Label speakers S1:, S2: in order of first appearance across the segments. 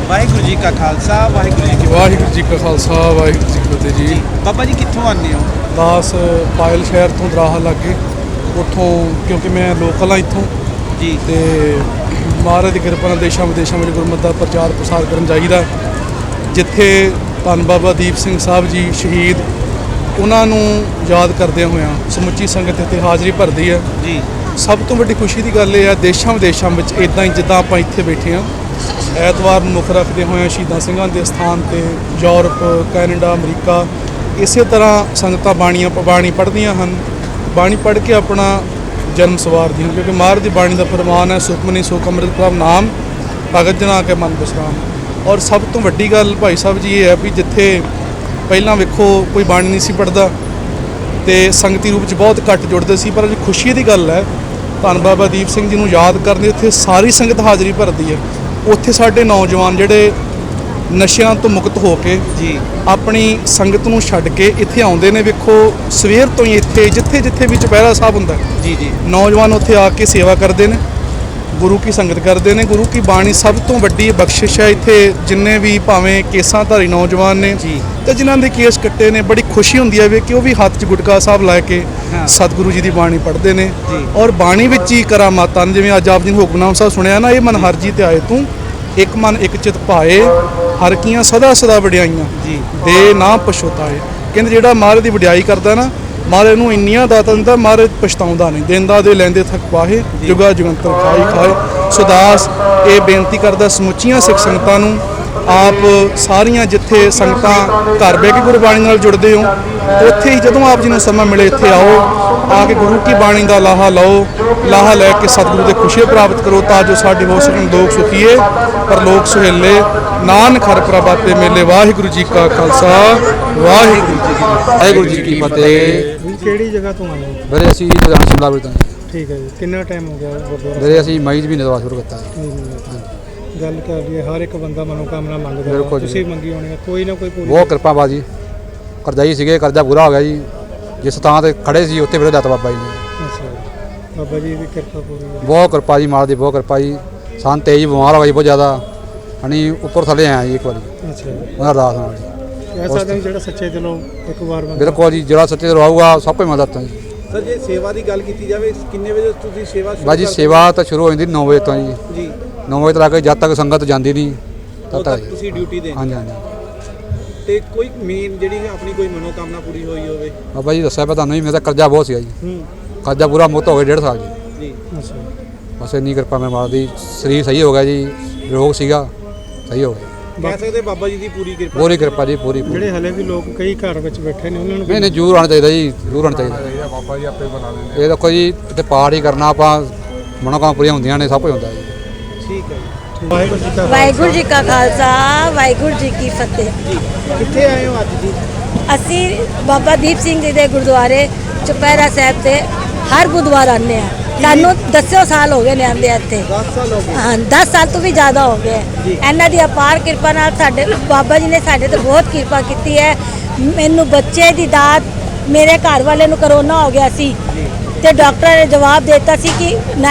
S1: ਵਾਹਿਗੁਰੂ ਜੀ ਕਾ ਖਾਲਸਾ ਵਾਹਿਗੁਰੂ ਜੀ ਕੀ
S2: ਫਤਿਹ ਜੀ।
S1: ਬਾਬਾ ਜੀ ਕਿੱਥੋਂ ਆਉਂਦੇ ਹੋ?
S2: ਦਾਸ ਪਾਇਲ ਸ਼ਹਿਰ ਤੋਂ ਦਰਾਹਾ ਲੱਗੇ ਉੱਥੋਂ, ਕਿਉਂਕਿ ਮੈਂ ਲੋਕਲ ਹਾਂ ਇੱਥੋਂ
S1: ਜੀ।
S2: ਤੇ ਮਹਾਰਾਜ ਦੀ ਕਿਰਪਾ ਨਾਲ ਦੇਸ਼ਾਂ ਵਿਦੇਸ਼ਾਂ ਵਿੱਚ ਗੁਰਮਤਿ ਦਾ ਪ੍ਰਚਾਰ ਪ੍ਰਸਾਰ ਕਰਨ ਜਾਈਦਾ। ਜਿੱਥੇ ਧੰਨ ਬਾਬਾ ਦੀਪ ਸਿੰਘ ਸਾਹਿਬ ਜੀ ਸ਼ਹੀਦ, ਉਹਨਾਂ ਨੂੰ ਯਾਦ ਕਰਦਿਆਂ ਹੋਇਆਂ ਸਮੁੱਚੀ ਸੰਗਤ ਇੱਥੇ ਹਾਜ਼ਰੀ ਭਰਦੀ ਹੈ
S1: ਜੀ।
S2: ਸਭ ਤੋਂ ਵੱਡੀ ਖੁਸ਼ੀ ਦੀ ਗੱਲ ਇਹ ਹੈ, ਦੇਸ਼ਾਂ ਵਿਦੇਸ਼ਾਂ ਵਿੱਚ ਇੱਦਾਂ ਹੀ ਜਿੱਦਾਂ ਆਪਾਂ ਇੱਥੇ ਬੈਠੇ ਹਾਂ, ਐਤਵਾਰ ਨੂੰ ਮੁੱਖ ਰੱਖਦੇ ਹੋਇਆਂ ਸ਼ਹੀਦਾਂ ਸਿੰਘਾਂ ਦੇ ਸਥਾਨ 'ਤੇ ਯੂਰਪ, ਕੈਨੇਡਾ, ਅਮਰੀਕਾ, ਇਸੇ ਤਰ੍ਹਾਂ ਸੰਗਤਾਂ ਬਾਣੀ ਪੜ੍ਹਦੀਆਂ ਹਨ। ਬਾਣੀ ਪੜ੍ਹ ਕੇ ਆਪਣਾ ਜਨਮ ਸਵਾਰਦੀਆਂ ਹਨ, ਕਿਉਂਕਿ ਮਹਾਰਾਜ ਦੀ ਬਾਣੀ ਦਾ ਫਰਮਾਨ ਹੈ, ਸੁਖਮਨੀ ਸੁਖ ਅੰਮ੍ਰਿਤ ਪ੍ਰਭ ਨਾਮ, ਭਗਤ ਜਨਾ ਕੇ ਮਨ ਵਿਸਰਾਮ। ਔਰ ਸਭ ਤੋਂ ਵੱਡੀ ਗੱਲ ਭਾਈ ਸਾਹਿਬ ਜੀ ਇਹ ਹੈ ਵੀ ਜਿੱਥੇ ਪਹਿਲਾਂ ਵੇਖੋ ਕੋਈ ਬਾਣੀ ਨਹੀਂ ਸੀ ਪੜ੍ਹਦਾ ਤੇ ਸੰਗਤੀ ਰੂਪ 'ਚ ਬਹੁਤ ਘੱਟ ਜੁੜਦੇ ਸੀ, ਪਰ ਅੱਜ ਖੁਸ਼ੀ ਦੀ ਗੱਲ ਹੈ, ਧੰਨ ਬਾਬਾ ਦੀਪ ਸਿੰਘ ਜੀ ਨੂੰ ਯਾਦ ਕਰਦੇ ਇੱਥੇ ਸਾਰੀ ਸੰਗਤ ਹਾਜ਼ਰੀ ਭਰਦੀ ਹੈ। ਉੱਥੇ ਸਾਡੇ ਨੌਜਵਾਨ ਜਿਹੜੇ ਨਸ਼ਿਆਂ ਤੋਂ ਮੁਕਤ ਹੋ ਕੇ
S1: ਜੀ
S2: ਆਪਣੀ ਸੰਗਤ ਨੂੰ ਛੱਡ ਕੇ ਇੱਥੇ ਆਉਂਦੇ ਨੇ। ਵੇਖੋ ਸਵੇਰ ਤੋਂ ਹੀ ਇੱਥੇ ਜਿੱਥੇ ਵੀ ਚੁਪਹਿਰਾ ਸਾਹਿਬ ਹੁੰਦਾ
S1: ਜੀ ਜੀ
S2: ਨੌਜਵਾਨ ਉੱਥੇ ਆ ਕੇ ਸੇਵਾ ਕਰਦੇ ਨੇ, ਗੁਰੂ ਕੀ ਸੰਗਤ ਕਰਦੇ ਨੇ। ਗੁਰੂ ਕੀ ਬਾਣੀ ਸਭ ਤੋਂ ਵੱਡੀ ਬਖਸ਼ਿਸ਼ ਹੈ। ਇੱਥੇ ਜਿੰਨੇ ਵੀ ਭਾਵੇਂ ਕੇਸਾਂ ਧਾਰੀ ਨੌਜਵਾਨ ਨੇ
S1: ਜੀ
S2: ਤੇ ਜਿਨ੍ਹਾਂ ਦੇ ਕੇਸ ਕੱਟੇ ਨੇ, ਬੜੀ ਖੁਸ਼ੀ ਹੁੰਦੀ ਹੈ ਵੇ ਕਿ ਉਹ ਵੀ ਹੱਥ 'ਚ ਗੁਟਕਾ ਸਾਹਿਬ ਲੈ ਕੇ ਸਤਿਗੁਰੂ ਜੀ ਦੀ ਬਾਣੀ ਪੜ੍ਹਦੇ ਨੇ। ਔਰ ਬਾਣੀ ਵਿੱਚ ਹੀ ਕਰਾਮਾਤਾਂ, ਜਿਵੇਂ ਅੱਜ ਆਪ ਜੀ ਨੇ ਹੁਕਮਨਾਮ ਸਾਹਿਬ ਸੁਣਿਆ ਨਾ, ਇਹ ਮਨ ਹਰ ਜੀ ਤੇ ਆਏ ਤੂੰ, ਇੱਕ ਮਨ ਇੱਕ ਚਿਤ ਭਾਏ, ਹਰ ਕੀਆਂ ਸਦਾ ਸਦਾ ਵਡਿਆਈਆਂ
S1: ਜੀ
S2: ਦੇ ਨਾ ਪਛਤਾਏ। ਕਹਿੰਦੇ ਜਿਹੜਾ ਮਹਾਰਾਜ ਦੀ ਵਡਿਆਈ ਕਰਦਾ ਨਾ, ਮਹਾਰਾਜ ਨੂੰ ਇੰਨੀਆਂ ਦਾਤਾਂ ਦਿੰਦਾ, ਮਹਾਰਾਜ ਪਛਤਾਉਂਦਾ ਨਹੀਂ। ਦਿੰਦਾ ਦੇ ਲੈਂਦੇ ਥੱਕ ਪਾਹੇ, ਜੁਗਾ ਜੁਗੰਤਰ ਖਾਈ ਖਾਏ। ਸੁਦਾਸ ਇਹ ਬੇਨਤੀ ਕਰਦਾ ਸਮੁੱਚੀਆਂ ਸਿੱਖ ਸੰਗਤਾਂ ਨੂੰ, ਆਪ ਸਾਰੀਆਂ ਜਿੱਥੇ ਸੰਗਤਾਂ ਘਰ ਬਹਿ ਕੇ ਗੁਰਬਾਣੀ ਨਾਲ ਜੁੜਦੇ ਹੋ, ਉੱਥੇ ਹੀ ਜਦੋਂ ਆਪ ਜੀ ਨੂੰ ਸਮਾਂ ਮਿਲੇ ਇੱਥੇ ਆਓ, ਆ ਕੇ ਗੁਰੂ ਕੀ ਬਾਣੀ ਦਾ ਲਾਹਾ ਲਓ, ਲਾਹਾ ਲੈ ਕੇ ਸਤਿਗੁਰੂ ਦੇ ਖੁਸ਼ੀ ਪ੍ਰਾਪਤ ਕਰੋ, ਤਾਂ ਜੋ ਸਾਡੇ ਹੋ ਸਕਣ ਲੋਕ ਸੁਖੀਏ ਪਰ ਲੋਕ ਸੁਹੇਲੇ, ਨਾਨਕ ਹਰਿ ਪ੍ਰਭਾਤੇ ਮੇਲੇ। ਵਾਹਿਗੁਰੂ ਜੀ ਕਾ ਖਾਲਸਾ ਵਾਹਿਗੁਰੂ ਜੀ ਕੀ ਫਤਿਹ।
S3: ਕਿਹੜੀ ਜਗ੍ਹਾ ਤੋਂ ਆਏ ਹੋ?
S4: ਵੀਰੇ ਅਸੀਂ ਲੁਧਿਆਣਾ ਸ਼ਿਮਲਾ ਤੋਂ।
S3: ਠੀਕ ਹੈ ਜੀ। ਕਿੰਨਾ ਟਾਈਮ ਹੋ ਗਿਆ ਗੁਰਦੁਆਰਾ?
S4: ਵੀਰੇ ਅਸੀਂ ਮਈ ਦੇ ਮਹੀਨੇ ਤੋਂ ਸ਼ੁਰੂ ਕੀਤਾ।
S3: ਗੱਲ ਕਰ ਲਈਏ, ਹਰ ਇੱਕ ਬੰਦਾ ਮਨੋਕਾਮਨਾ ਮੰਗਦਾ,
S4: ਬਿਲਕੁਲ
S3: ਤੁਸੀਂ ਮੰਗੀ ਹੋਣੀ ਹੈ, ਕੋਈ ਨਾ ਕੋਈ ਪੂਰੀ।
S4: ਬਹੁਤ ਕਿਰਪਾ ਬਾਜੀ, ਕਰਜ਼ਾਈ ਸੀਗੇ, ਕਰਜ਼ਾ ਪੂਰਾ ਹੋ ਗਿਆ ਜੀ। ਜਿਸ ਥਾਂ ਤੇ ਖੜੇ ਸੀ ਉੱਥੇ ਵੀਰੇ ਦਾਤਾ ਬਾਬਾ ਜੀ ਨੇ।
S3: ਅੱਛਾ, ਬਾਬਾ ਜੀ ਦੀ ਕਿਰਪਾ ਪੂਰੀ ਹੈ।
S4: ਬਹੁਤ ਕਿਰਪਾ ਜੀ, ਮਾਲ ਦੀ ਬਹੁਤ ਕਿਰਪਾ ਜੀ। ਸਾਨੂੰ ਤੇਜ਼ ਬਿਮਾਰ ਹੋ ਗਈ ਬਹੁਤ ਜ਼ਿਆਦਾ, ਅਸੀਂ ਉੱਪਰ ਥੱਲੇ ਆਇਆ ਜੀ ਇੱਕ ਵਾਰੀ।
S3: ਅੱਛਾ,
S4: ਉਹਨਾਂ ਅਰਦਾਸ ਨਾਲ ਜੀ।
S3: ਕਹਿ ਸਕਦੇ ਹਾਂ ਜਿਹੜਾ ਸੱਚੇ ਦਿਲੋਂ ਇੱਕ ਵਾਰ
S4: ਬਿਲਕੁਲ ਜੀ, ਜਿਹੜਾ ਸੱਚੇ ਦਿਲੋਂ ਆਊਗਾ ਸਭ ਕੁਝ ਮਦਦ ਜੀ।
S1: ਸਰ, ਜੇ ਸੇਵਾ ਦੀ ਗੱਲ ਕੀਤੀ ਜਾਵੇ, ਕਿੰਨੇ ਵਜੇ ਤੁਸੀਂ ਸੇਵਾ ਸ਼ੁਰੂ
S4: ਬਾਜੀ ਸੇਵਾ ਤਾਂ ਸ਼ੁਰੂ ਹੋ ਜਾਂਦੀ 9 ਵਜੇ ਤੋਂ ਜੀ। 9 ਵਜੇ ਤੋਂ ਲਾ ਕੇ ਜਦ ਤੱਕ ਸੰਗਤ ਜਾਂਦੀ ਨਹੀਂ ਤਦ ਤੱਕ
S1: ਤੁਸੀਂ ਡਿਊਟੀ ਦੇ।
S4: ਹਾਂਜੀ ਹਾਂਜੀ।
S1: ਤੇ ਕੋਈ ਮੇਨ ਜਿਹੜੀ ਆਪਣੀ ਕੋਈ ਮਨੋਕਾਮਨਾ ਪੂਰੀ ਹੋਈ ਹੋਵੇ?
S4: ਬਾਬਾ ਜੀ ਦੱਸਿਆ ਪਤਾ ਨਹੀਂ, ਮੇਰਾ ਕਰਜ਼ਾ ਬਹੁਤ ਸੀਗਾ ਜੀ। ਕਰਜ਼ਾ ਪੂਰਾ ਮੁੱਤ ਹੋ ਗਿਆ 1.5 ਸਾਲ ਜੀ।
S3: ਅੱਛਾ,
S4: ਬਸ ਇੰਨੀ ਕਿਰਪਾ ਮੇਰੇ ਮਾਲ ਦੀ, ਸਰੀਰ ਸਹੀ ਹੋ ਗਿਆ ਜੀ, ਰੋਗ ਸੀਗਾ ਸਹੀ ਹੋ ਗਿਆ।
S1: ਕਹਿ ਸਕਦੇ ਬਾਬਾ ਜੀ ਦੀ ਪੂਰੀ ਕਿਰਪਾ।
S4: ਪੂਰੀ ਕਿਰਪਾ ਜੀ, ਪੂਰੀ।
S3: ਜਿਹੜੇ ਹਲੇ ਵੀ ਲੋਕ ਕਈ ਘਰ ਵਿੱਚ ਬੈਠੇ ਨੇ, ਉਹਨਾਂ ਨੂੰ
S4: ਨਹੀਂ ਜ਼ਰੂਰ ਆਉਣਾ ਚਾਹੀਦਾ ਜੀ, ਜ਼ਰੂਰ ਆਉਣਾ ਚਾਹੀਦਾ।
S2: ਬਾਬਾ ਜੀ ਆਪੇ ਬਣਾ ਲੈਂਦੇ।
S4: ਇਹ ਦੇਖੋ ਜੀ, ਇੱਥੇ ਪਾਠ ਹੀ ਕਰਨਾ, ਆਪਾਂ ਮਨੋਕਾਮਨਾ ਪੂਰੀਆਂ ਹੁੰਦੀਆਂ ਨੇ, ਸਭ ਕੁਝ ਹੁੰਦਾ ਜੀ।
S1: ਠੀਕ ਹੈ ਜੀ।
S5: ਵਾਹਿਗੁਰੂ ਜੀ ਕਾ ਖਾਲਸਾ ਵਾਹਿਗੁਰੂ ਜੀ ਕੀ ਫਤਿਹ।
S1: ਕਿੱਥੇ ਆਏ ਹੋ ਅੱਜ ਜੀ?
S5: ਅਸੀਂ ਬਾਬਾ ਦੀਪ ਸਿੰਘ ਜੀ ਦੇ ਗੁਰਦੁਆਰੇ ਚੁਪਹਿਰਾ ਸਾਹਿਬ ਤੇ ਹਰ ਬੁੱਧਵਾਰ ਆਉਂਦੇ ਹਾਂ। ਸਾਨੂੰ 10 ਸਾਲ ਹੋ ਗਏ ਨੇ ਆਉਂਦੇ ਇੱਥੇ।
S1: 10 ਸਾਲ ਹੋ ਗਏ?
S5: ਹਾਂ, 10 ਸਾਲ ਤੋਂ ਵੀ ਜ਼ਿਆਦਾ ਹੋ ਗਏ। ਇਹਨਾਂ ਦੀ ਅਪਾਰ ਕਿਰਪਾ ਨਾਲ ਸਾਡੇ ਬਾਬਾ ਜੀ ਨੇ ਸਾਡੇ ਤੇ ਬਹੁਤ ਕਿਰਪਾ ਕੀਤੀ ਹੈ। ਮੈਨੂੰ ਬੱਚੇ ਦੀ ਦਾਤ, ਮੇਰੇ ਘਰ ਵਾਲੇ ਨੂੰ ਕਰੋਨਾ ਹੋ ਗਿਆ ਸੀ ਤੇ ਡਾਕਟਰ ਨੇ ਜਵਾਬ ਦਿੱਤਾ ਸੀ ਕਿ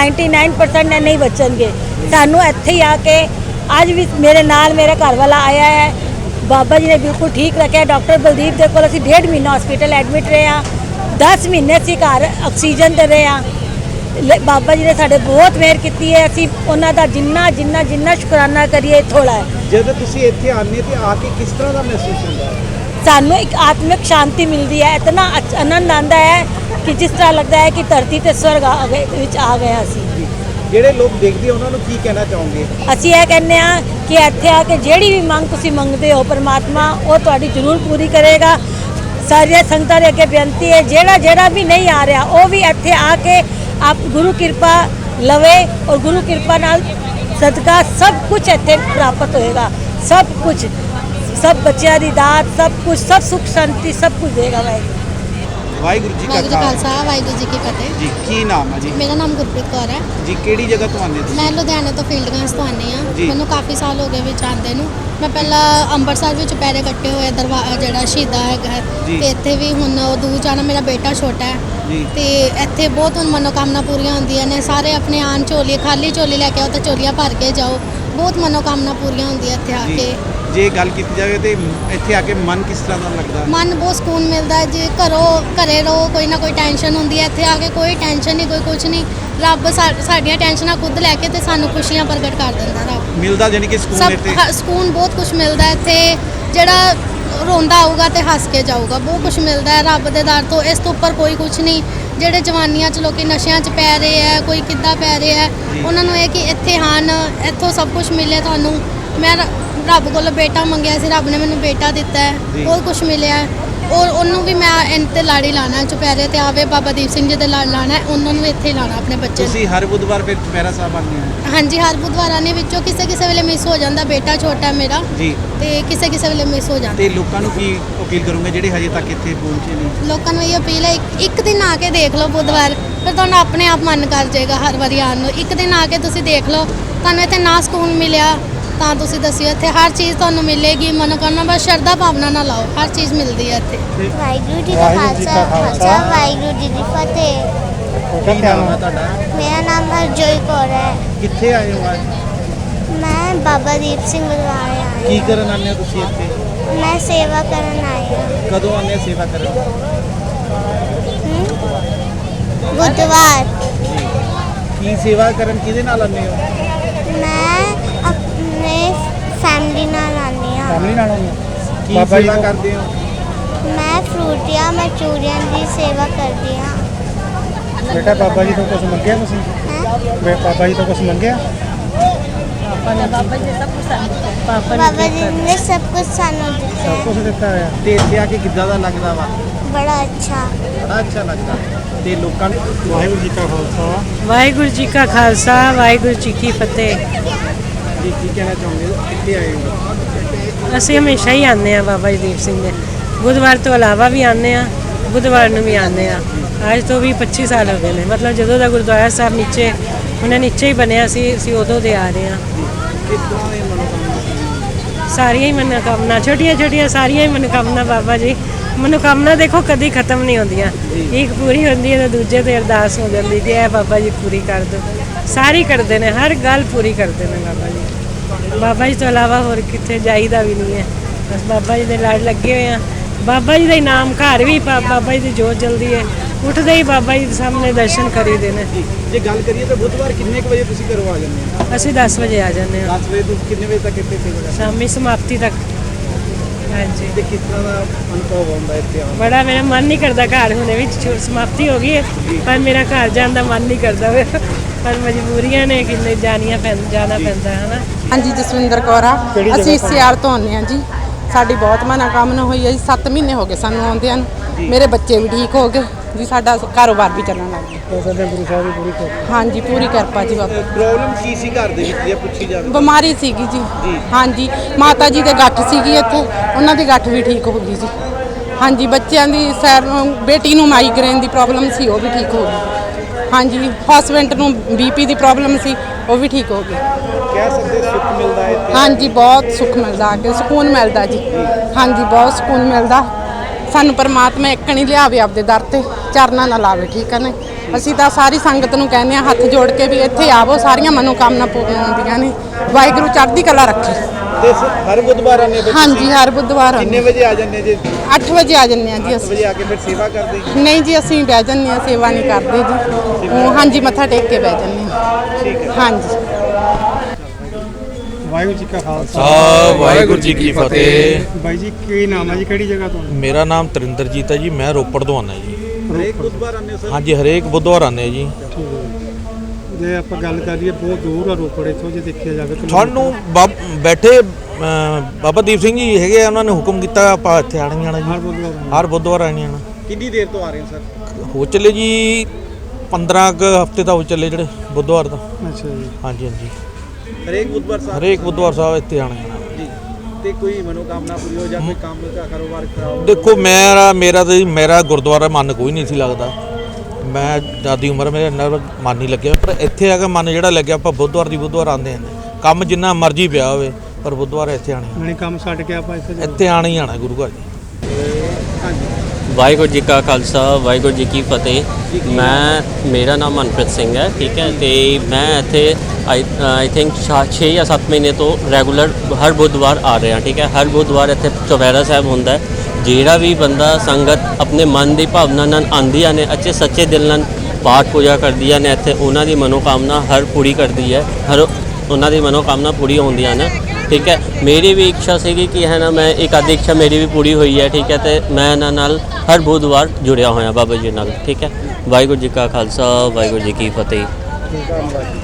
S5: 99% ਨੇ ਨਹੀਂ ਬਚਣਗੇ। ਸਾਨੂੰ ਇੱਥੇ ਹੀ ਆ ਕੇ ਅੱਜ ਵੀ ਮੇਰੇ ਨਾਲ ਮੇਰਾ ਘਰ ਵਾਲਾ ਆਇਆ ਹੈ। ਬਾਬਾ ਜੀ ਨੇ ਬਿਲਕੁਲ ਠੀਕ ਰੱਖਿਆ। ਡਾਕਟਰ ਬਲਦੀਪ ਦੇ ਕੋਲ ਅਸੀਂ 1.5 ਮਹੀਨਾ ਹਸਪੀਟਲ ਐਡਮਿਟ ਰਹੇ ਹਾਂ। 10 ਮਹੀਨੇ ਅਸੀਂ ਘਰ ਆਕਸੀਜਨ 'ਤੇ ਰਹੇ ਹਾਂ। ਬਾਬਾ ਜੀ ਨੇ ਸਾਡੇ ਬਹੁਤ ਮਿਹਰ ਕੀਤੀ ਹੈ। ਅਸੀਂ ਉਹਨਾਂ ਦਾ ਜਿੰਨਾ ਸ਼ੁਕਰਾਨਾ ਕਰੀਏ ਥੋੜ੍ਹਾ ਹੈ।
S1: ਜਦੋਂ ਤੁਸੀਂ ਇੱਥੇ ਆਉਂਦੇ ਤੇ ਆ ਕੇ ਕਿਸ ਤਰ੍ਹਾਂ ਦਾ ਮਹਿਸੂਸ ਹੁੰਦਾ ਹੈ?
S5: ਸਾਨੂੰ ਇੱਕ ਆਤਮਿਕ ਸ਼ਾਂਤੀ ਮਿਲਦੀ ਹੈ। ਇਤਨਾ ਆਨੰਦ ਆਉਂਦਾ ਹੈ ਕਿ ਜਿਸ ਤਰ੍ਹਾਂ ਲੱਗਦਾ ਹੈ ਕਿ ਧਰਤੀ ਤੇ ਸਵਰਗ ਵਿੱਚ ਆ ਗਏ ਅਸੀਂ।
S1: ਜਿਹੜੇ ਲੋਕ ਦੇਖਦੇ ਉਹਨਾਂ ਨੂੰ ਕੀ ਕਹਿਣਾ ਚਾਹੋਗੇ?
S5: ਅਸੀਂ ਇਹ ਕਹਿੰਦੇ ਹਾਂ ਕਿ ਇੱਥੇ ਆ ਕੇ ਜਿਹੜੀ ਵੀ ਮੰਗ ਤੁਸੀਂ ਮੰਗਦੇ ਹੋ, ਪਰਮਾਤਮਾ ਉਹ ਤੁਹਾਡੀ ਜ਼ਰੂਰ ਪੂਰੀ ਕਰੇਗਾ। ਸਾਰੀਆਂ ਸੰਗਤਾਂ ਦੇ ਅੱਗੇ ਬੇਨਤੀ ਹੈ, ਜਿਹੜਾ ਵੀ ਨਹੀਂ ਆ ਰਿਹਾ ਉਹ ਵੀ ਇੱਥੇ ਆ ਕੇ ਆਪ ਗੁਰੂ ਕਿਰਪਾ ਲਵੇ ਔਰ ਗੁਰੂ ਕਿਰਪਾ ਨਾਲ ਸਦਕਾ ਸਭ ਕੁਝ ਇੱਥੇ ਪ੍ਰਾਪਤ ਹੋਏਗਾ। ਸਭ ਕੁਝ, ਸਭ ਬੱਚਿਆਂ ਦੀ ਦਾਤ, ਸਭ ਕੁਝ, ਸਭ ਸੁਖ ਸ਼ਾਂਤੀ, ਸਭ ਕੁਝ ਦੇਗਾ
S1: ਵਾਹਿਗੁਰੂ ਜੀ ਕਾ
S6: ਖਾਲਸਾ ਵਾਹਿਗੁਰੂ ਜੀ ਕੀ ਫਤਿਹ
S1: ਜੀ। ਕੀ ਨਾਮ ਹੈ ਜੀ?
S6: ਮੇਰਾ ਨਾਮ ਗੁਰਪ੍ਰੀਤ ਕੌਰ ਹੈ
S1: ਜੀ। ਕਿਹੜੀ ਜਗ੍ਹਾ ਤੋਂ ਆਉਂਦੇ ਤੁਸੀਂ?
S6: ਮੈਂ ਲੁਧਿਆਣੇ ਤੋਂ ਫੀਲਡਗੰਜ ਤੋਂ ਆਉਂਦੀ ਹਾਂ। ਮੈਨੂੰ ਕਾਫੀ ਸਾਲ ਹੋ ਗਏ ਵਿੱਚ ਆਉਂਦੇ ਨੂੰ। ਮੈਂ ਪਹਿਲਾਂ ਅੰਮ੍ਰਿਤਸਰ ਵਿੱਚ ਪੈਰੇ ਕੱਟੇ ਹੋਏ ਜਿਹੜਾ ਸ਼ਹੀਦਾ ਹੈਗਾ, ਤੇ ਇੱਥੇ ਵੀ ਹੁਣ ਉਹ ਦੂਰ ਜਾਣਾ। ਮੇਰਾ ਬੇਟਾ ਛੋਟਾ ਹੈ ਤੇ ਇੱਥੇ ਬਹੁਤ ਹੁਣ ਮਨੋਕਾਮਨਾ ਪੂਰੀਆਂ ਹੁੰਦੀਆਂ ਨੇ। ਸਾਰੇ ਆਪਣੇ ਆਣ ਝੋਲੀ, ਖਾਲੀ ਝੋਲੀ ਲੈ ਕੇ ਆਓ ਤਾਂ ਝੋਲੀਆਂ ਭਰ ਕੇ ਜਾਓ। ਬਹੁਤ ਮਨੋਕਾਮਨਾ ਪੂਰੀਆਂ ਹੁੰਦੀਆਂ ਇੱਥੇ ਆ ਕੇ।
S1: ਜੇ ਗੱਲ ਕੀਤੀ ਜਾਵੇ ਤੇ ਇੱਥੇ ਆ ਕੇ ਮਨ ਕਿਸ ਤਰ੍ਹਾਂ ਦਾ ਲੱਗਦਾ?
S6: ਮਨ ਬਹੁਤ ਸਕੂਨ ਮਿਲਦਾ ਹੈ। ਜੇ ਘਰੇ ਰਹੋ ਕੋਈ ਨਾ ਕੋਈ ਟੈਨਸ਼ਨ ਹੁੰਦੀ ਹੈ, ਇੱਥੇ ਆ ਕੇ ਕੋਈ ਟੈਨਸ਼ਨ ਨਹੀਂ, ਕੋਈ ਕੁਝ ਨਹੀਂ। ਰੱਬ ਸਾਡੀਆਂ ਟੈਨਸ਼ਨਾਂ ਖੁਦ ਲੈ ਕੇ ਤੇ ਸਾਨੂੰ ਖੁਸ਼ੀਆਂ ਪ੍ਰਗਟ ਕਰ ਦਿੰਦਾ ਰੱਬ।
S1: ਮਿਲਦਾ ਜਾਨੀ ਕਿ ਸਕੂਨ ਇੱਥੇ?
S6: ਸਕੂਨ ਬਹੁਤ ਕੁਝ ਮਿਲਦਾ ਇੱਥੇ। ਜਿਹੜਾ ਰੋਂਦਾ ਆਊਗਾ ਤੇ ਹੱਸ ਕੇ ਜਾਊਗਾ, ਬਹੁਤ ਕੁਝ ਮਿਲਦਾ ਹੈ ਰੱਬ ਦੇ ਦਰ ਤੋਂ। ਇਸ ਤੋਂ ਉੱਪਰ ਕੋਈ ਕੁਝ ਨਹੀਂ। ਜਿਹੜੇ ਜਵਾਨੀਆਂ 'ਚ ਲੋਕੀ ਨਸ਼ਿਆਂ 'ਚ ਪੈ ਰਹੇ ਹੈ, ਕੋਈ ਕਿੱਦਾਂ ਪੈ ਰਿਹਾ ਹੈ, ਉਹਨਾਂ ਨੂੰ ਇਹ ਕਿ ਇੱਥੇ ਹਨ, ਇੱਥੋਂ ਸਭ ਕੁਝ ਮਿਲੇ ਤੁਹਾਨੂੰ। ਮੈਂ ਰੱਬ ਕੋਲੋਂ ਬੇਟਾ ਮੰਗਿਆ ਸੀ, ਰੱਬ ਨੇ ਮੈਨੂੰ ਬੇਟਾ ਦਿੱਤਾ ਹੈ, ਬਹੁਤ ਕੁਝ ਮਿਲਿਆ ਹੈ। ਔਰ ਉਹਨੂੰ ਵੀ ਮੈਂ ਇਹਨਾਂ ਤੇ ਲਾੜੀ ਲਾਣਾ, ਚੁਪਹਿਰੇ ਤੇ ਆਵੇ ਬਾਬਾ ਦੀਪ ਸਿੰਘ ਜੀ ਦੇ ਲੜ ਲਾਣਾ, ਉਹਨਾਂ ਨੂੰ ਇੱਥੇ ਲਾਣਾ ਆਪਣੇ ਬੱਚੇ ਨੂੰ।
S1: ਤੁਸੀਂ ਹਰ ਬੁੱਧਵਾਰ ਫਿਰ ਚੁਪਹਿਰਾ ਸਾਹਿਬ ਆਉਂਦੇ ਹੋ?
S6: ਹਾਂਜੀ, ਹਰ ਬੁੱਧਵਾਰਾਂ ਨੇ ਵਿੱਚੋਂ ਕਿਸੇ ਵੇਲੇ ਮਿਸ ਹੋ ਜਾਂਦਾ, ਬੇਟਾ ਛੋਟਾ ਮੇਰਾ
S1: ਜੀ,
S6: ਤੇ ਕਿਸੇ ਵੇਲੇ ਮਿਸ ਹੋ ਜਾਂਦਾ।
S1: ਤੇ ਲੋਕਾਂ ਨੂੰ ਕੀ ਅਪੀਲ ਕਰੋਗੇ ਜਿਹੜੇ ਹਜੇ ਤੱਕ ਇੱਥੇ ਪਹੁੰਚੇ ਨਹੀਂ?
S6: ਲੋਕਾਂ ਨੂੰ ਇਹ ਅਪੀਲ ਹੈ, ਇੱਕ ਦਿਨ ਆ ਕੇ ਦੇਖ ਲਓ ਬੁੱਧਵਾਰ, ਫਿਰ ਤੁਹਾਨੂੰ ਆਪਣੇ ਆਪ ਮਨ ਕਰ ਜਾਏਗਾ ਹਰ ਵਾਰੀ ਆਉਣ ਨੂੰ। ਇੱਕ ਦਿਨ ਆ ਕੇ ਤੁਸੀਂ ਦੇਖ ਲਓ, ਤੁਹਾਨੂੰ ਇੱਥੇ ਨਾ ਸਕੂਨ ਮਿਲਿਆ ਤਾਂ ਤੁਸੀਂ ਦੱਸਿਓ, ਇੱਥੇ ਹਰ ਚੀਜ਼ ਤੁਹਾਨੂੰ ਮਿਲੇਗੀ। ਮਨੋਕਾਮਨਾ ਬਸ ਸ਼ਰਧਾ ਭਾਵਨਾ ਨਾਲ ਲਾਓ, ਹਰ ਚੀਜ਼ ਮਿਲਦੀ ਹੈ ਇੱਥੇ।
S7: ਵਾਹਿਗੁਰੂ ਜੀ ਦਾ ਖਾਲਸਾ ਵਾਹਿਗੁਰੂ ਜੀ ਦੀ ਫਤਿਹ।
S1: ਕੀ ਨਾਮ ਹੈ ਤੁਹਾਡਾ?
S7: ਮੇਰਾ ਨਾਮ ਹਰਜੋਈ ਕੌਰ ਹੈ।
S1: ਕਿੱਥੇ ਆਏ ਹੋ ਅੱਜ?
S7: ਮੈਂ ਬਾਬਾ ਦੀਪ ਸਿੰਘ ਗੁਰਦੁਆਰੇ ਆਈ
S1: ਕੀ ਕਰਨ ਆਉਂਦੇ ਹੋ ਤੁਸੀਂ ਇੱਥੇ?
S7: ਹਾਂ। ਮੈਂ ਸੇਵਾ ਕਰਨ ਆਈ ਹਾਂ।
S1: ਕਦੋਂ ਆਉਂਦੇ ਹੋ ਸੇਵਾ ਕਰਨ?
S7: ਬੁੱਧਵਾਰ।
S1: ਕੀ ਸੇਵਾ ਕਰਨ ਕਿਹਦੇ ਨਾਲ ਆਉਂਦੇ ਹੋ?
S7: ਮੈਂ ਆਪਣੇ ਫੈਮਿਲੀ ਨਾਲ ਆਉਂਦੀ ਹਾਂ।
S3: ਫੈਮਿਲੀ ਨਾਲ
S1: ਕੀ
S3: ਬਾਬਾ ਜੀ
S1: ਸੇਵਾ
S3: ਤੋਂ-
S1: ਕਰਦੇ ਹੋ?
S7: ਮੈਂ ਫਰੂਟੀਆਂ ਮਚੂਰੀਆਂ ਦੀ ਸੇਵਾ ਕਰਦੀ ਹਾਂ।
S3: ਬੇਟਾ ਬਾਬਾ ਜੀ ਤੋਂ ਕੁਝ ਮੰਗਿਆ ਤੁਸੀਂ?
S7: ਹੈਂ?
S3: ਬਾਬਾ ਜੀ ਤੋਂ ਕੁਝ ਮੰਗਿਆ?
S7: ਬਾਬਾ ਜੀ ਨੇ ਸਭ ਕੁਝ ਸਾਨੂੰ ਦਿੱਤਾ
S3: ਸਭ
S7: ਹੈ।
S3: ਕੁਝ ਦਿੱਤਾ ਹੋਇਆ।
S1: ਤੇ ਇੱਥੇ ਆ ਕੇ ਕਿੱਦਾਂ ਦਾ ਲੱਗਦਾ ਵਾ?
S7: ਬੜਾ ਅੱਛਾ।
S1: ਬੜਾ ਅੱਛਾ ਲੱਗਦਾ। ਤੇ ਲੋਕਾਂ ਨੂੰ
S3: ਵਾਹਿਗੁਰੂ ਜੀ ਕਾ ਖਾਲਸਾ
S8: ਵਾਹਿਗੁਰੂ ਜੀ ਕਾ ਖਾਲਸਾ ਵਾਹਿਗੁਰੂ ਜੀ ਕੀ ਫਤਿਹ।
S1: ਜੀ ਕੀ ਕਹਿਣਾ ਚਾਹੁੰਦੇ ਹੋ? ਕਿੱਥੇ ਆਏ ਹੋ?
S8: ਅਸੀਂ ਹਮੇਸ਼ਾ ਹੀ ਆਉਂਦੇ ਹਾਂ ਬਾਬਾ ਜੀ ਦੀਪ ਸਿੰਘ ਦੇ। ਬੁੱਧਵਾਰ ਤੋਂ ਇਲਾਵਾ ਵੀ ਆਉਂਦੇ ਹਾਂ, ਬੁੱਧਵਾਰ ਨੂੰ ਵੀ ਆਉਂਦੇ ਹਾਂ। ਅੱਜ ਤੋਂ ਵੀ 25 ਸਾਲ ਹੋ ਗਏ ਨੇ, ਮਤਲਬ ਜਦੋਂ ਦਾ ਗੁਰਦੁਆਰਾ ਸਾਹਿਬ ਨੀਚੇ ਉਹਨੇ ਨੀਚੇ ਹੀ ਬਣਿਆ ਸੀ, ਅਸੀਂ ਉਦੋਂ ਦੇ ਆ ਰਹੇ ਹਾਂ।
S1: ਕਿਸ ਤਰ੍ਹਾਂ ਦੇ ਮਨੋਕਾਮਨਾ?
S8: ਸਾਰੀਆਂ ਹੀ ਮਨੋਕਾਮਨਾ, ਛੋਟੀਆਂ ਛੋਟੀਆਂ ਸਾਰੀਆਂ ਹੀ ਮਨੋਕਾਮਨਾ ਬਾਬਾ ਜੀ। ਮਨੋਕਾਮਨਾ ਦੇਖੋ ਕਦੀ ਖਤਮ ਨਹੀਂ ਹੁੰਦੀਆਂ, ਇੱਕ ਪੂਰੀ ਹੁੰਦੀ ਹੈ ਤਾਂ ਦੂਜੇ ਤੇ ਅਰਦਾਸ ਹੋ ਜਾਂਦੀ ਕਿ ਇਹ ਬਾਬਾ ਜੀ ਪੂਰੀ ਕਰ ਦਿਓ। ਸਾਰੀ ਕਰਦੇ ਨੇ, ਹਰ ਗੱਲ ਪੂਰੀ ਕਰਦੇ ਨੇ ਬਾਬਾ ਜੀ। ਬਾਬਾ ਜੀ ਤੋਂ ਇਲਾਵਾ ਹੋਰ ਕਿੱਥੇ ਜਾਈਦਾ ਵੀ ਨਹੀਂ ਹੈ। ਬਸ ਬਾਬਾ ਜੀ ਦੇ ਲੜ ਲੱਗੇ ਹੋਏ ਆ। ਬਾਬਾ ਜੀ ਦਾ ਇਨਾਮ ਘਰ ਵੀ ਬਾਬਾ ਜੀ ਦੀ ਜੋਤ ਜਲਦੀ ਹੈ, ਉੱਠਦੇ ਹੀ ਬਾਬਾ ਜੀ ਦੇ ਸਾਹਮਣੇ ਦਰਸ਼ਨ ਕਰੀਦੇ ਨੇ।
S1: ਜੇ ਗੱਲ ਕਰੀਏ ਤਾਂ ਬੁੱਧਵਾਰ ਕਿੰਨੇ ਕੁ ਵਜੇ ਤੁਸੀਂ ਘਰੋਂ ਆ ਜਾਂਦੇ ਹੋ?
S8: ਅਸੀਂ 10 ਵਜੇ ਆ ਜਾਂਦੇ ਹਾਂ,
S1: 10 ਵਜੇ ਤੋਂ ਕਿੰਨੇ ਵਜੇ ਤੱਕ ਇੱਥੇ ਸੇਵਾ ਕਰਦੇ?
S8: ਸ਼ਾਮੀ ਸਮਾਪਤੀ ਤੱਕ। ਹਾਂਜੀ,
S1: ਤੇ ਕਿਸ ਤਰ੍ਹਾਂ ਦਾ ਅਨੁਭਵ ਹੁੰਦਾ ਇੱਥੇ ਆਉਣ ਦਾ?
S8: ਬੜਾ ਮੇਰਾ ਮਨ ਨਹੀਂ ਕਰਦਾ ਘਰ ਹੁਣੇ ਵਿੱਚ ਸਮਾਪਤੀ ਹੋ ਗਈ ਹੈ, ਪਰ ਮੇਰਾ ਘਰ ਜਾਣ ਦਾ ਮਨ ਨਹੀਂ ਕਰਦਾ ਵੇ। ਪਰ ਮਜਬੂਰੀਆਂ ਨੇ ਕਿੰਨੇ ਜਾਣਾ ਪੈਂਦਾ ਹੈ ਨਾ।
S9: ਹਾਂਜੀ, ਜਸਵਿੰਦਰ ਕੌਰ ਆ। ਅਸੀਂ ਸਿਆਲ ਤੋਂ ਆਉਂਦੇ ਹਾਂ ਜੀ। ਸਾਡੀ ਬਹੁਤ ਮਨੋਕਾਮਨਾ ਹੋਈ ਹੈ ਜੀ। 7 ਮਹੀਨੇ ਹੋ ਗਏ ਸਾਨੂੰ ਆਉਂਦਿਆਂ ਨੂੰ। ਮੇਰੇ ਬੱਚੇ ਵੀ ਠੀਕ ਹੋ ਗਏ ਜੀ, ਸਾਡਾ ਕਾਰੋਬਾਰ ਵੀ ਚੱਲਣ ਲੱਗ ਗਿਆ।
S3: ਸਾਡੇ ਗੁਰੂ ਸਾਹਿਬ ਦੀ ਪੂਰੀ ਕਿਰਪਾ।
S9: ਹਾਂਜੀ, ਪੂਰੀ ਕਿਰਪਾ ਜੀ ਬਾਬਾ।
S1: ਪ੍ਰੋਬਲਮ ਕੀ ਸੀ ਘਰ ਦੇ ਵਿੱਚ ਜੇ ਪੁੱਛੀ ਜਾਵੇ?
S9: ਬਿਮਾਰੀ ਸੀਗੀ ਜੀ। ਹਾਂਜੀ, ਮਾਤਾ ਜੀ ਦੇ ਗੱਠ ਸੀਗੀ ਇੱਥੇ, ਉਹਨਾਂ ਦੀ ਗੱਠ ਵੀ ਠੀਕ ਹੋ ਗਈ ਜੀ। ਹਾਂਜੀ, ਬੱਚਿਆਂ ਦੀ ਬੇਟੀ ਨੂੰ ਮਾਈਗ੍ਰੇਨ ਦੀ ਪ੍ਰੋਬਲਮ ਸੀ, ਉਹ ਵੀ ਠੀਕ ਹੋ ਗਈ। ਹਾਂਜੀ, ਹਸਬੈਂਡ ਨੂੰ ਬੀਪੀ ਦੀ ਪ੍ਰੋਬਲਮ ਸੀ, ਉਹ ਵੀ ਠੀਕ ਹੋ ਗਈ।
S1: ਕਹਿ ਸਕਦੇ ਸੁੱਖ ਮਿਲਦਾ ਹੈ ਇੱਥੇ?
S9: ਹਾਂਜੀ, ਬਹੁਤ ਸੁੱਖ ਮਿਲਦਾ, ਆ ਕੇ ਸਕੂਨ ਮਿਲਦਾ ਜੀ। ਹਾਂਜੀ, ਬਹੁਤ ਸਕੂਨ ਮਿਲਦਾ। ਸਾਨੂੰ ਪਰਮਾਤਮਾ ਇੱਕ ਨਹੀਂ ਲਿਆਵੇ ਆਪਦੇ ਦਰ ਤੇ, ਚਰਨਾਂ ਨਾਲ ਲਾਵੇ, ਠੀਕ ਹੈ ਨੇ। ਅਸੀਂ ਤਾਂ ਸਾਰੀ ਸੰਗਤ ਨੂੰ ਕਹਿੰਦੇ ਹਾਂ ਹੱਥ ਜੋੜ ਕੇ ਵੀ ਇੱਥੇ ਆਵੋ, ਸਾਰੀਆਂ ਮਨੋਕਾਮਨਾ ਪੂਰੀਆਂ ਹੁੰਦੀਆਂ ਨੇ। ਵਾਹਿਗੁਰੂ ਚੜ੍ਹਦੀ ਕਲਾ ਰੱਖੇ।
S1: ਤੇ ਹਰ ਬੁੱਧਵਾਰ ਆਉਂਦੇ ਹੋ?
S9: ਹਾਂਜੀ, ਹਰ ਬੁੱਧਵਾਰ
S1: ਕਿੰਨੇ ਵਜੇ ਆ ਜਾਂਦੇ ਜੇ?
S9: 8 ਵਜੇ ਆ ਜੰਨੇ ਆ ਜੀ
S1: 8
S9: ਅਸੀਂ।
S1: ਵਜੇ ਆ ਕੇ ਫਿਰ ਸੇਵਾ ਕਰਦੇ?
S9: ਨਹੀਂ ਜੀ, ਅਸੀਂ ਬਹਿ ਜੰਨੇ ਆ, ਸੇਵਾ ਨਹੀਂ ਕਰਦੇ ਜੀ। ਹਾਂਜੀ, ਮੱਥਾ ਟੇਕ ਕੇ ਬਹਿ ਜੰਨੇ ਆ।
S1: ਠੀਕ ਹੈ।
S9: ਹਾਂਜੀ।
S3: ਵਾਹਿਗੁਰੂ ਜੀ ਕਾ ਖਾਲਸਾ
S10: ਵਾਹਿਗੁਰੂ ਜੀ ਕੀ ਫਤਿਹ।
S3: ਬਾਈ ਜੀ ਕੀ ਨਾਮ ਹੈ ਜੀ, ਕਿਹੜੀ ਜਗ੍ਹਾ ਤੋਂ?
S10: ਮੇਰਾ ਨਾਮ ਤਰਿੰਦਰਜੀਤ ਹੈ ਜੀ, ਮੈਂ ਰੋਪੜ ਤੋਂ ਆਉਂਦਾ ਜੀ।
S1: ਹਰੇਕ ਬੁੱਧਵਾਰ ਆਉਂਦੇ ਹੋ ਸਰ?
S10: ਹਾਂਜੀ, ਹਰੇਕ ਬੁੱਧਵਾਰ ਆਉਂਦੇ ਆ ਜੀ।
S3: ਠੀਕ ਹੈ। ਜੇ ਆਪਾਂ ਗੱਲ ਕਰੀਏ ਬਹੁਤ ਦੂਰ ਆ ਰੋਪੜ ਇੱਥੋਂ, ਜੇ ਦੇਖਿਆ ਜਾਵੇ
S10: ਸਾਨੂੰ ਬੈਠੇ ਬਾਬਾ ਦੀਪ ਸਿੰਘ ਜੀ ਹੈਗੇ ਆ, ਉਹਨਾਂ ਨੇ ਹੁਕਮ ਕੀਤਾ ਆਪਾਂ ਇੱਥੇ ਆਣਾ ਜੀ।
S3: ਹਰ ਬੁੱਧਵਾਰ।
S10: ਹਰ ਬੁੱਧਵਾਰ ਆਣਾ।
S1: ਕਿੰਨੀ ਦੇਰ ਤੋਂ ਆ ਰਹੇ ਹੋ ਸਰ?
S10: ਹੋ ਚੱਲੇ ਜੀ 15 ਕੁ ਹਫ਼ਤੇ ਤਾਂ ਹੋ ਚੱਲੇ ਜਿਹੜੇ ਬੁੱਧਵਾਰ ਦਾ।
S3: ਅੱਛਾ ਜੀ।
S10: ਹਾਂਜੀ ਹਾਂਜੀ,
S1: ਹਰੇਕ ਬੁੱਧਵਾਰ ਸਾਹਿਬ?
S10: ਹਰੇਕ ਬੁੱਧਵਾਰ ਸਾਹਿਬ ਇੱਥੇ ਆਣਾ।
S1: ਜੀ। ਤੇ ਕੋਈ ਮਨੋਕਾਮਨਾ ਪੂਰੀ ਹੋ ਜਾਂ ਕੋਈ ਕੰਮ ਦਾ ਕਾਰੋਬਾਰ ਖਰਾਬ?
S10: ਦੇਖੋ ਮੇਰਾ ਗੁਰਦੁਆਰਾ ਮਨ ਕੋਈ ਨਹੀਂ ਸੀ ਲੱਗਦਾ। ਮੈਂ ਦਾਦੀ ਉਮਰ ਮੇਰੇ ਇੰਨਾ ਮਨ ਨਹੀਂ ਲੱਗਿਆ, ਪਰ ਇੱਥੇ ਆ ਕੇ ਮਨ ਜਿਹੜਾ ਲੱਗਿਆ। ਆਪਾਂ ਬੁੱਧਵਾਰ ਦੀ ਬੁੱਧਵਾਰ ਆਉਂਦੇ ਹਾਂ, ਕੰਮ ਜਿੰਨਾ ਮਰਜ਼ੀ ਪਿਆ ਹੋਵੇ, ਪਰ ਬੁੱਧਵਾਰ ਇੱਥੇ ਆਣੀ।
S3: ਨਹੀਂ ਕੰਮ ਛੱਡ ਕੇ ਆਪਾਂ ਇੱਥੇ
S10: ਇੱਥੇ ਆਣਾ ਹੀ ਆਣਾ ਗੁਰੂ ਘਰ ਜੀ।
S1: ਹਾਂਜੀ।
S11: ਵਾਹਿਗੁਰੂ ਜੀ ਕਾ ਖਾਲਸਾ ਵਾਹਿਗੁਰੂ ਜੀ ਕੀ ਫਤਿਹ। ਮੇਰਾ ਨਾਮ ਮਨਪ੍ਰੀਤ ਸਿੰਘ ਹੈ, ਠੀਕ ਹੈ। ਤੇ ਮੈਂ ਇੱਥੇ ਆਈ ਥਿੰਕ 6 ਜਾਂ 7 ਮਹੀਨੇ ਤੋਂ ਰੈਗੂਲਰ ਹਰ ਬੁੱਧਵਾਰ ਆ ਰਿਹਾ, ਠੀਕ ਹੈ। ਹਰ ਬੁੱਧਵਾਰ ਇੱਥੇ ਚੁਪਹਿਰਾ ਸਾਹਿਬ ਹੁੰਦਾ ਹੈ। ਜਿਹੜਾ ਵੀ ਬੰਦਾ ਸੰਗਤ ਆਪਣੇ ਮਨ ਦੀ ਭਾਵਨਾ ਨਾਲ ਆਉਂਦੀਆਂ ਨੇ, ਅੱਛੇ ਸੱਚੇ ਦਿਲ ਨਾਲ ਪਾਠ ਪੂਜਾ ਕਰਦੀਆਂ ਨੇ, ਇੱਥੇ ਉਹਨਾਂ ਦੀ ਮਨੋਕਾਮਨਾ ਹਰ ਪੂਰੀ ਕਰਦੀ ਹੈ, ਹਰ ਉਹਨਾਂ ਦੀ ਮਨੋਕਾਮਨਾ ਪੂਰੀ ਹੁੰਦੀਆਂ ਨੇ, ਠੀਕ ਹੈ। ਮੇਰੀ ਵੀ ਇੱਛਾ ਸੀਗੀ ਕਿ ਹੈ ਨਾ, ਮੈਂ ਇੱਕ ਆधी ਇੱਛਾ ਮੇਰੀ ਵੀ ਪੂਰੀ ਹੋਈ ਹੈ, ਠੀਕ ਹੈ। ਤੇ ਮੈਂ ਇਹਨਾਂ ਨਾਲ ਹਰ ਬੁੱਧਵਾਰ ਜੁੜਿਆ ਹੋਇਆ ਬਾਬਾ ਜੀ ਨਾਲ, ਠੀਕ ਹੈ। ਵਾਹਿਗੁਰੂ ਜੀ ਕਾ ਖਾਲਸਾ ਵਾਹਿਗੁਰੂ ਜੀ ਕੀ ਫਤਿਹ।